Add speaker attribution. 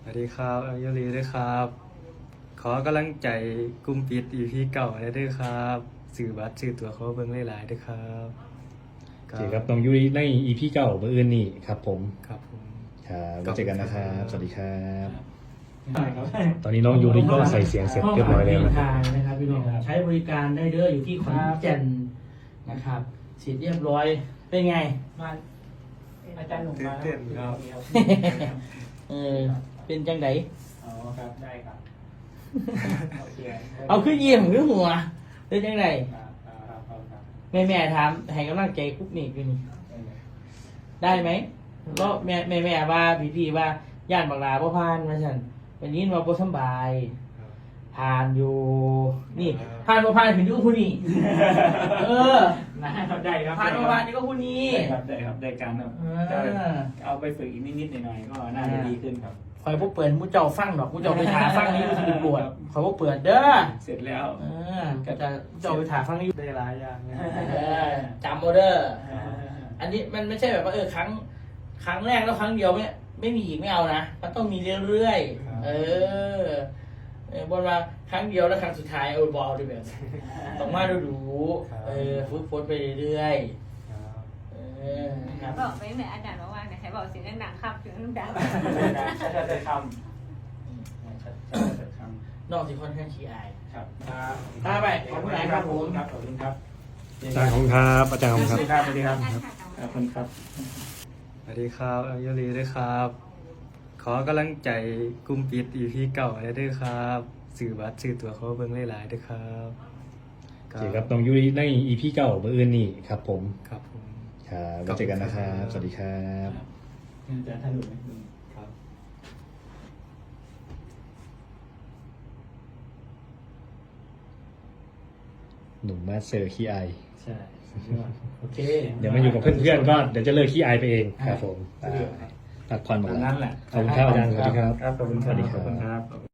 Speaker 1: สวัสดีครับอายุรีด้วยครับ ขอกำลังใจกลุ่มปิด EP เก่าได้ด้วยครับสื่อบัตรสื่อตัวเขาเบิ่งหลายๆด้วยครับ
Speaker 2: โอเคครับน้องยุ้ยใน EP เก่าเมื่ออื่นนี่ครับผม
Speaker 1: ครับผม
Speaker 2: ครับไว้เจอกันนะครับ สวัสดีครับ
Speaker 3: ครับ
Speaker 2: ตอนนี้น้องยูริก็ใส่เสียงเสร็จเรียบร้อยแล้ว
Speaker 3: ห้ง
Speaker 2: นะค
Speaker 3: ทา
Speaker 2: รับ
Speaker 3: งนะครับพี่น้องใช้บริการได้เด้ออยู่ที่ขอนแก่นนะครับเสร็จเรียบร้อยเป็นไง
Speaker 4: มาอาจารย์หนุ่มมา
Speaker 1: เต้นๆครับ
Speaker 3: เป็นจังได
Speaker 4: อ๋อครับได้ครับโอเค
Speaker 3: เอาขึ้นยิ้มขึ้นหัวเป็นจังได
Speaker 4: ครับครับ
Speaker 3: แม่ถามให้กำลังใจกุ๊กนี่คือนี่ได้ไหมก็แม่ว่าพี่ว่าญาติบักลาบ่ผ่านมาฉันวันนี้ว่าบ่สำบายผ่านอยู่นี่ผ่านบ่ผ่านถึงอยู่ผู้นี้เออ
Speaker 4: นะครับได้ครับ
Speaker 3: ผ่านบ่ผ่านนี่ก็ผู้นี้
Speaker 4: ได้ครับได้การครับจะเอาไปฝึกอีกนิดๆหน่อยๆก็น่าจะดีขึ้นครับ
Speaker 3: คอยพวกเปิดมูเจ้าฟังดอกมูเจ้าไปถาฟังนี่มันคือปวดคอยพวกเปิดเด้อ
Speaker 4: เสร็จแล้ว
Speaker 3: ก็จะเจ้าไปถาฟังนี่
Speaker 1: ได้หลายอย่างนะ
Speaker 3: จำโมเดอร์อันนี้มันไม่ใช่แบบว่าครั้งแรกแล้วครั้งเดียวไม่มีอีกไม่เอานะมันต้องมีเรื่อยๆบนว่าครั้งเดียวแล้วครั้งสุดท้ายบอลด้วยแบบต้องมาดูฝึกฝนไปเรื่อยๆครับ
Speaker 5: บอกไปแม่อาจารย์บอกว่าไหนใครบอกเสียงดังๆครับเสียงดัง
Speaker 4: จะคำ
Speaker 3: นอกจากค่อนข้างขี้อาย
Speaker 4: ครับ
Speaker 3: ไปขอบคุณครับผม
Speaker 4: ครับขอบคุณครับ
Speaker 2: อาจารย์ของครับอาจารย์ของครับ
Speaker 4: สวัสดีครับ
Speaker 5: ๆ
Speaker 4: ขอบคุณครับ
Speaker 1: สวัสดีครับอายุรีด้วยครับ ขอกำลังใจกลุ่มปิด EP เก่าได้ด้วยครับสื่อบัตรสื่อตัวเขาเบิ่งหลายๆด้วยครับ
Speaker 2: โอเคครับน้องยุ้ยใน EP เก่าเมื่ออื่นนี่ครับผม
Speaker 1: ครับผม
Speaker 2: ครับไว้เจอกันนะครับ สวัสดีครับ
Speaker 4: อาจารย์ท่านหนุ่ม
Speaker 1: ครับ
Speaker 2: หนุ่มมาสเซอร์ขี้อาย
Speaker 4: ใช่โอเค
Speaker 2: เดี๋ยวมาอยู่กับเพื่อนๆก็เดี๋ยวจะเลิกขี้อายไปเองครับผมพักผ่อนหมด
Speaker 4: ตาม
Speaker 2: แล้
Speaker 4: นั้
Speaker 2: วน
Speaker 4: แหละ
Speaker 2: ขอบคุณครับอาจารย์สวัสดีครับ
Speaker 4: ครับขอบคุณครับ
Speaker 2: สวัสดีครับ
Speaker 4: ขอบคุณครับ